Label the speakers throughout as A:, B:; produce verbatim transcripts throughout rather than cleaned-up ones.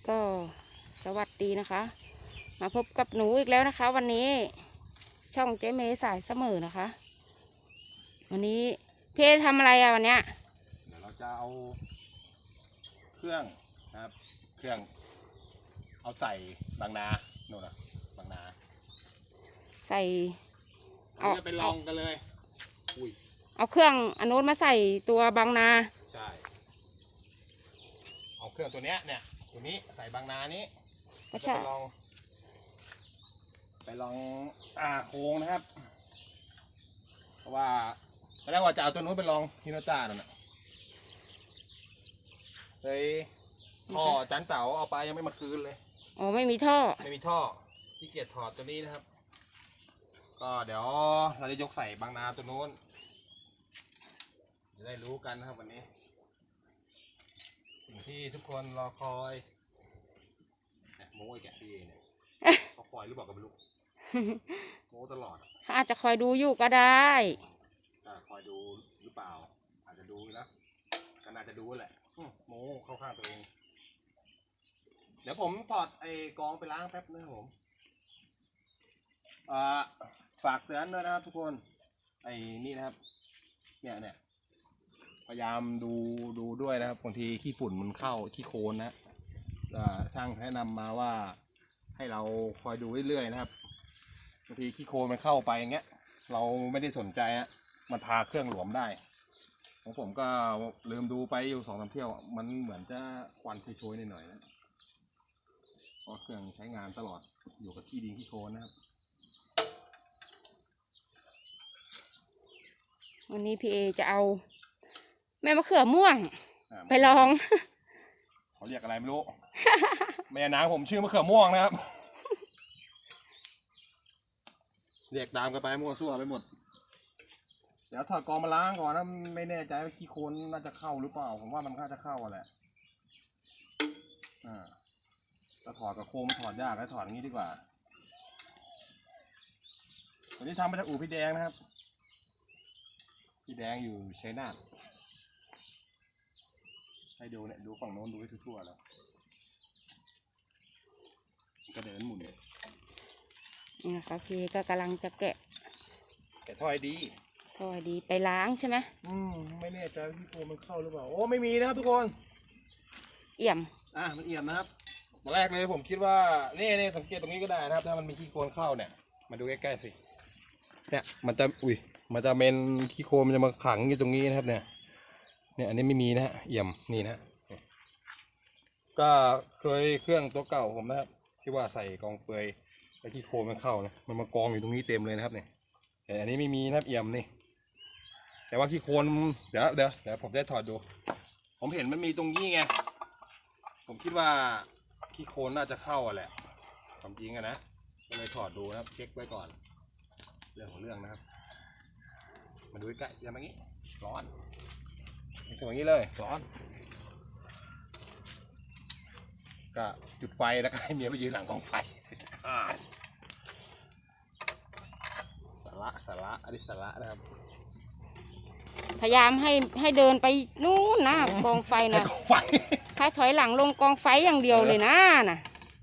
A: ก็สวัสดีนะคะ มาพบกับหนูอีกแล้วนะคะ วันนี้ช่องเจ๊เมย์สายเสมอนะคะ วันนี้พี่ทำอะไรอะวันเนี้ย
B: เดี๋ยวเราจะเอาเครื่องนะครับเครื่องเอาใส่บางนาโน่นนะบางนา
A: ใส่
B: เราจะไปลองกันเลยอุ้ย
A: เอาเครื่องอนุมาใส่ตัวบางนา
B: ใช่เอาเครื่องตัวเนี้ยเนี่ยตัวนี้ใส่บางนานี้ก็จะไปลองไปลองอ่าโค้งนะครับเพราะว่าตอนแรกว่าจะเอาตัวนู้นไปลองฮิโนต้านั่นแหละเลยท่อจันเต๋าเอาไปยังไม่มาคืนเลย
A: อ๋อไม่มีท่อ
B: ไม่มีท่อที่เกียจถอดตัวนี้นะครับก็เดี๋ยวเราจะยกใส่บางนาตัวนู้นจะได้รู้กันนะครับวันนี้สิ่งที่ทุกคนรอคอยโม้ไอ้แกพี่เนี่ยเขาคอยหรือเปล่าก็ไม่รู้โม้ตลอด
A: อาจจะคอยดูอยู่ก็ได้
B: คอยดูหรือเปล่าอาจจะดูนะก็น่าจะดูแหละโม้เข้าข้างตัวเองเดี๋ยวผมถอดไอ้กองไปล้างแป๊บนึงผมฝากเตือนด้วยนะครับทุกคนไอ้นี่นะครับเนี่ยเนี่ยพยายามดูดูด้วยนะครับบางทีขี้ฝุ่นมันเข้าขี้โคลนนะช่างแนะนำมาว่าให้เราคอยดูเรื่อยๆนะครับบางทีขี้โคลนมันเข้าไปอย่างเงี้ยเราไม่ได้สนใจฮะมันพาเครื่องหลวมได้ของผมก็ลืมดูไปอยู่สองสามเที่ยวมันเหมือนจะควันโชยๆหน่อยๆนะเพราะเครื่องใช้งานตลอดอยู่กับขี้ดินขี้โคลนนะครับ
A: วันนี้พี่เอจะเอาแม่มะเขือม่วงไปลอง
B: เขาเรียกอะไรไม่รู้ แม่นางผมชื่อมะเขือม่วงนะครับเรียกตามกันไปมั่วซั่วไปหมดเดี๋ยวถอดกองมาล้างก่อนนะไม่แน่ใจว่าขี้โคลนน่าจะเข้าหรือเปล่าผมว่ามันน่าจะเข้าแหละอ่าจะถอดกับโคมถอดยากให้ถอดอย่างนี้ดีกว่าวันนี้ทำมาจากอู่พี่แดงนะครับพี่แดงอยู่ชัยนาทให้ดูเนี่ยดูฝั่งโน้นดูให้ทั่วๆแล้วก็เดินหมุนเนี่ย
A: นี่นะคะพี่ก็กำลังจะแกะ
B: แกะท่อยดี
A: ท่อยดีไปล้างใช่ไหม
B: อืมไม่แน่ใจที่โคมมันเข้าหรือเปล่าโอ้ไม่มีนะครับทุกคน
A: เอี่ยม
B: อ่ะมันเอี่ยมนะครับตอนแรกเลยผมคิดว่านี่นี่สังเกตตรงนี้ก็ได้นะครับถ้ามันมีขี้โคลนเข้าเนี่ยมาดูใกล้ๆสิเนี่ยมันจะอุ้ยมันจะเป็นขี้โคลนมันจะมาขังอยู่ตรงนี้นะครับเนี่ยเนี่ยอันนี้ไม่มีนะฮะเอี่ยมนี่นะก็เคยเครื่องตัวเก่าผมนะครับที่ว่าใส่กองเปลือยไอ้ขี้โคลนมันเข้านะมันมากองอยู่ตรงนี้เต็มเลยนะครับเนี่ยแต่อันนี้ไม่มีนะครับเอี่ยมนี่แต่ว่าขี้โคลนเดี๋ยวเดี๋ยวเดี๋ยวผมจะถอดดูผมเห็นมันมีตรงนี้ไงผมคิดว่าขี้โคลนน่าจะเข้าแหละความจริงอะนะก็เลยถอดดูนะครับเช็คไว้ก่อนเรื่องของเรื่องนะครับมาดูใกล้อย่างนี้ร้อนอย่างนี้เลยร้อนก็จุดไฟแล้วก็ให้เมียไปยืนหลังกองไฟสาระสาระอันนี้สาระนะครับ
A: พยายามให้ให้เดินไปนู่นนะกองไฟนะให้ถอยหลังลงกองไฟอย่างเดียวเลยนะน่ะ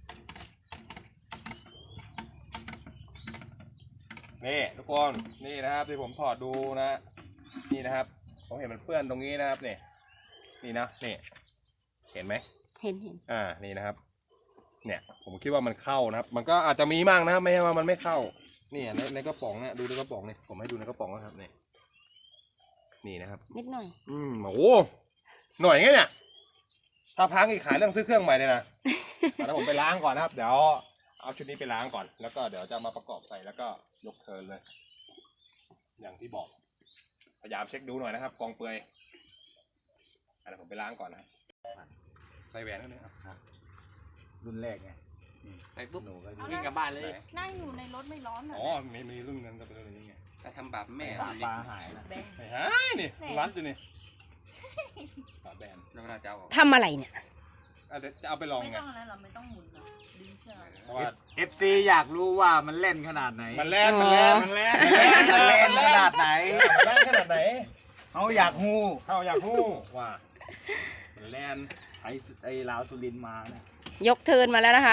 B: นี่ทุกคนนี่นะครับที่ผมถอดดูนะนี่นะครับผมเห็นมันเปื้อนตรงนี้นะครับนี่นี่นะนี่เห็นไหม
A: เห็นเห็น
B: อ่านี่นะครับเนี่ยผมคิดว่ามันเข้านะครับมันก็อาจจะมีมั่งนะครับไม่ใช่ว่ามันไม่เข้านี่ในในกระป๋องเนี่ยดูในกระป๋องนี่ผมให้ดูในกระป๋องนะครับนี่นี่นะครับ
A: นิดหน่อย
B: อืมโอ้หน่อยไงเนี่ยถ้าพังอีกขายเรื่องซื้อเครื่องใหม่เลยนะแล้วผมไปล้างก่อนนะครับเดี๋ยวเอาชุดนี้ไปล้างก่อนแล้วก็เดี๋ยวจะมาประกอบใส่แล้วก็ยกเทิร์นเลยอย่างที่บอกพยายามเช็คดูหน่อยนะครับกองเปลือยเดี๋ยวผมไปล้างก่อนนะใส่แหวนนั่นเลยครับรุ่นแรกไง
C: ไปปุ๊บวิ่งกลับบ้านเลย
D: นั่งอยู่ในรถไม่ร้อน
B: อ๋อมีมีรุ่นนั้นก็เป็นรุ่นนี้ไง
C: ถ้าทำบาปแม่
B: ปลาหายนะหายนี่ร้านอยู่นี่ปลาแบน
C: แล้วเราจะเอา
A: ทำอะไรเนี่ย
B: จะเอาไปลองไง
D: ไม่ต้องอะไรหรอไม่ต้องหมุนหรอดึงเชือก
B: เพราะว่า
E: เอฟซีอยากรู้ว่ามันเล่นขนาดไหน
B: มันแล่นมันแล่นมันแล่น
E: มันเล่นขนาดไหน
B: แล่นขนาดไหน
E: เขาอยากฮู้
B: เขาอยากฮู้ว่ามันแล่น
E: ไอ้ไอ้ลาวสุรินมาเนี่ย
A: ยกเทิร์นมาแล้วนะคะ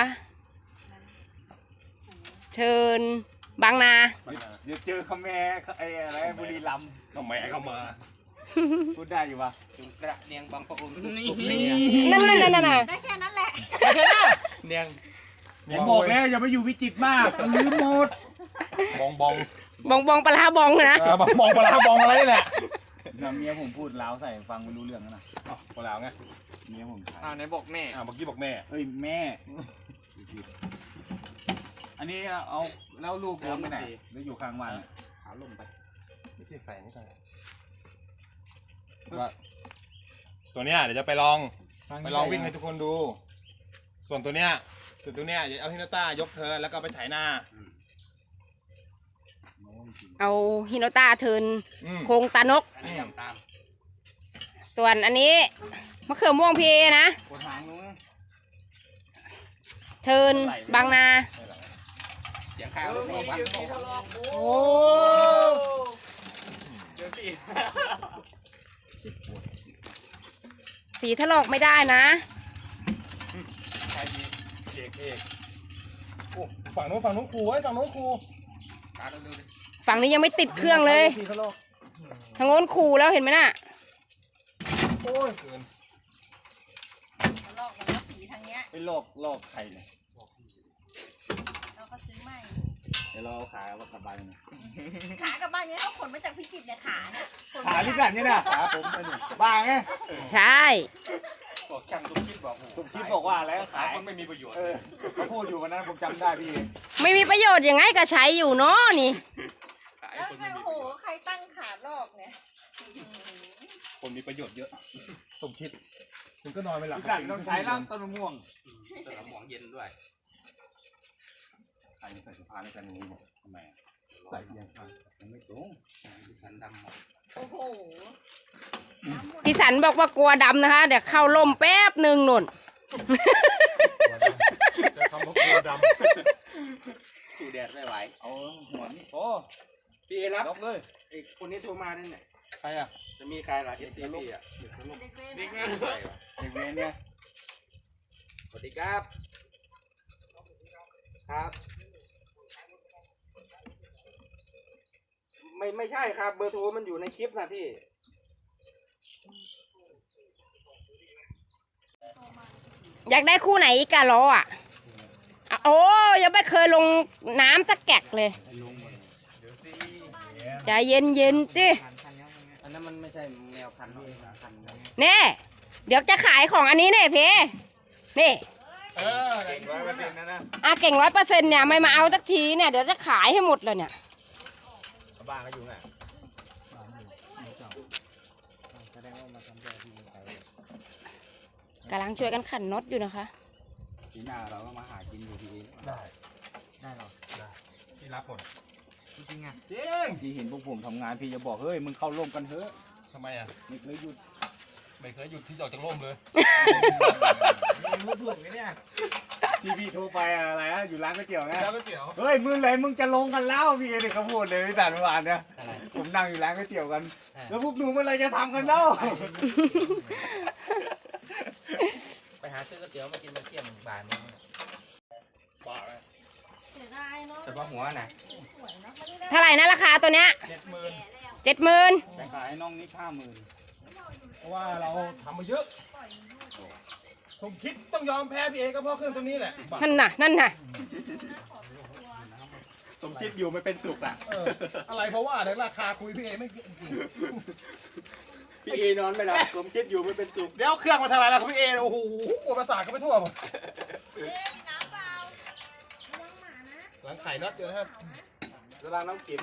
A: เทิร์นบางนา
E: เดี๋ยวเจอคาแมไอ้อะไรบุรีรัมย์
B: ทำไมเข้ามา
E: พูดได้อยู่ปะ
C: จุงกระเนียงบางปะอุน
A: นั่นนั่นนั่นน่ะ
D: ได้แค่นั้นแหละ
C: เนียง
E: ผมบอกแล้วอย่าไปอยู่วิจิตรมากมันลืมหมด
B: บองบอง
A: บองบองปลาร้าบองนะ
B: เออบองบองปลาร้าบองอะไรนี่แหละ
E: นะเมียผมพูดลาวใส่ฟังไม่รู้เรื่องนะ
B: อ้าวปลาร้าไง
E: เมียผมใช้
C: อ่าไหนบอกแม่
B: อ่าเมื่อกี้บอกแม่
E: เอ้ยแม่อันนี้เอาแล้วลูกโยนไปไหนหรืออยู่ข้างบ้าน
C: ขาลงไป
B: ไม่ใช่ใส่นี่ใส่ว่าตัวเนี้ยเดี๋ยวจะไปลองไปลองวิ่งให้ทุกคนดู ส่วนตัวเนี้ยส่วนตัวเนี้ยเดี๋ยวเอาฮินาต้ายกเธอแล้วก็ไปไถนา
A: เอาฮิโนต้าเทิร์น
B: อืม
A: โครงตานก
C: อันนี้ทำตาม
A: ส่วนอันนี้มะเขือม่วงพีนะ
E: กดหางนู้น
A: เทิร์นบางนา
C: เสียงข้าวลูกบอกว่า
B: โอ้
A: สีถลอกไม่ได้นะ
B: ใครดีเอกเอกโอ้ฝั่งนู้นฝั่งนู้นครูไว้ฝั่งนู้นครู
C: ตาเราดูดิ
A: ฝั่งนี้ยังไม่ติดเครื่องเลย
B: ทีเขาลอก
A: ทางโน้นขู่แล้วเห็นไหมน่ะ
B: โอ้ยเกิน
D: ลอกมันก็สีทางเนี้ย
E: ไปลอกลอกไข่เลย
D: เราก็ซื้อใหม่
E: เดี๋ยวเราเอาขาว่ากลับบ้านนะ
D: ขากลับบ้านเนี้ยเขาขนมาจากพิจิตรเนี่ยขาเนี่ยขน
E: ขา
D: มา
E: ที่กันนี่นะขาผมไปหนึ่งบ้าไง
A: ใช่
C: บอกช่างตุ้มคิดบอก
E: ผมคิดบอกว่าแล้ว
C: ขา
E: ขาย
C: มันไม่มีประโยชน์
E: เออเขาพูดอยู่วันนั้นผมจำได้พี่
A: ไม่มีประโยชน์ยังไงก็ใช้อยู่เนาะนี่
C: ขาย
D: แล้ว
C: คน
D: ใคร
C: ไม่มี
D: โอ้
C: ป
D: โห
C: ระโยชน์
D: ใครตั้งขาลอกเนี่ย
B: คนมีประโยชน์เยอะ สมคิดคุณก็นอนไปหลับ
E: ที่กันต้องใช้ร่างต้นมะม่วง
C: สนามหมองเย็นด้วย
B: ใครใส่เสื้อผ้าในกันอย่างนี้หมดทำไมใส่ยังไงยังไม่ตรง
C: ดิฉันดำหมด
D: โอ้โห
A: พี่สันบอกว่ากลัวดำนะคะ เดี๋ยวเข้าล่มแป๊บหนึ่งหนุน
B: ใช้คำว่าโคดำ
C: สู้แดดไม่ไหว
E: เอาหัวนี่โอ้
C: พี่เอรับ
E: ล็อกเลย
C: ไอ้คนนี้โทรมาด้วยเนี่ย
B: ใครอ่ะ
C: จะมีใครล่ะเอฟซีพี่อ่ะ
D: เด็กเวร
C: เด็ก
D: นะ
C: งานใส่วะ
E: เด็กเวรเนี่ย
C: สวัสดีครับ ครับ ไม่ไม่ใช่ครับเบอร์โทรมันอยู่ในคลิปนะพี่
A: อยากได้คู่ไหนอีกอะล้ออ่ะอ่ะโอ้ยังไม่เคยลงน้ำสักแกะเลยใจเย็นเย็นๆจิ
C: อันนั้นมันไม่ใช่แมวพันธุ์นะพันธุ์
A: เน่เดี๋ยวจะขายของอันนี้เนี่ยเพนี่
B: เออ
E: เก่งร้อยเปอร์เซ็นต์นะนะ
A: อาเก่งร้อยเปอร์เซ็นต์เนี่ยไม่มาเอาสักทีเนี่ยเดี๋ยวจะขายให้หมดเลยเนี่ย
E: บ้านก็อยู่ไง
A: กำลังช่วยกันขันน็อตอยู่นะคะ
E: ปีหน้าเราก็มาหากินอยู่ที่
B: ได้
E: ได้หรอ
B: ได้พี่รับหมด
E: จริงอ่ะ
B: จริง
E: พี่เห็นพวกผมทำงานพี่จะบอกเฮ้ยมึงเข้าร่วมกันเถอะ
B: ทำไมอ่ะ
E: ไม่เคยหยุด
B: ไม่เคยหยุดที่จะออกจากร่มเลย
E: พูดถูกไหมเนี่ยที่พี่โทรไปอะไรอะอยู่ร้านก๋วยเตี๋ยวไง
B: แล้วก๋วยเตี๋ยว
E: เฮ้ยมึงเลยมึงจะลงกันแล้วพี่เด็กเขาพูดเลยพี่แต่เมื่อวานเนี่ยผมนั่งอยู่ร้านก๋วยเตี๋ยวกัน แล้วพวกหนูเมื่อไรจะทำกันเล่า
C: ไปหาซื้อก๋วยเตี๋ยวมากินมาเที่ยงบ่ายโมง
B: บ้าเลย
D: เสียดายเนาะ
C: เฉพาะหัวน่ะ
D: สวยเนาะไม่ได้
A: เท่าไหร่นะราคาตัวเนี้ย
B: เจ็ดหมื่น
A: เจ็ดหมื่น
E: แต่ขายให้น้องนี่ห้าหมื่น
B: เพราะว่าเราทำมาเยอะ สมคิดต้องยอมแพ้พี่เอก็เพราะเครื่องตัวนี้แหละบ้า
A: นั่นน่ะนั่นน่ะ
E: สมคิดอยู่ไม่เป็นสุขอ่ะ
B: เอออะไรเพราะว่าเดี๋ยวราคาคุยพี่เอไม่จริง
E: พี่เอนอนไม่หลับสมคิดอยู่ไม่เป็นสุข
B: เดี๋ยวเครื่องมาทำอะไรแล้วพี่เอโอ้โหปวดประสาทกันไปทั่วหมด
D: เอ๊ะมีน้ำเปล่าระวังหมานะ
B: หลังไข่น็อตอยู่นะครับ
C: เวลาน้องกิ๋ม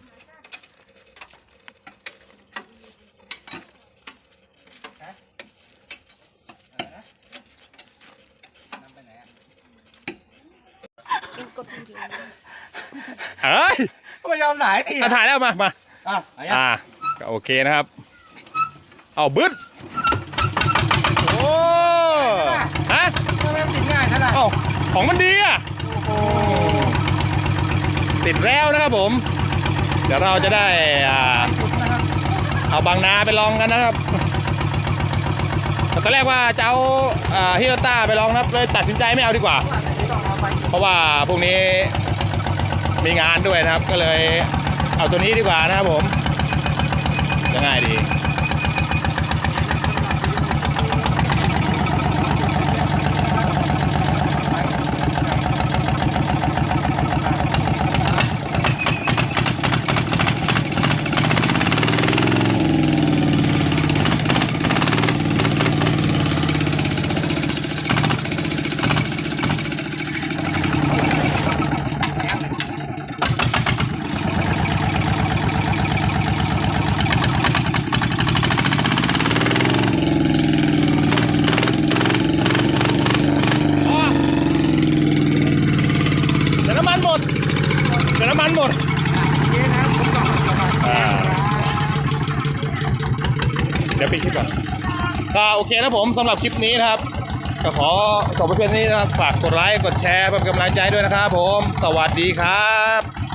B: เอ้ย
E: ไม่ยอมไหนที
B: ถ่ายแล้วมามา
E: อ่ะ
B: อ่าก็โอเคนะครับ เอาบึ้ดโอ้ฮะ
E: ทำไมมันติดง่ายขนาด
B: เอ้าของมันดีอ่ะติดแล้วนะครับผม เดี๋ยวเราจะได้อ่าเอาบางนาไปลองกันนะครับตอนแรกว่าจะเอาฮิโรต้าไปลองนะครับเลยตัดสินใจไม่เอาดีกว่า เพราะว่าพวกนี้มีงานด้วยนะครับก็เลยเอาตัวนี้ดีกว่านะครับผมยังไงดีเดี๋ยวน้ำมันหมดเดี๋ยวน้ำมันหมดอ่าเดี๋ยวปิดคลิปก่อนก็โอเคนะผมสำหรับคลิปนี้นะครับก็ขอจบไปเพียงนี้นะครับฝากกดไลค์กดแชร์เป็นกำลังใจด้วยนะครับผมสวัสดีครับ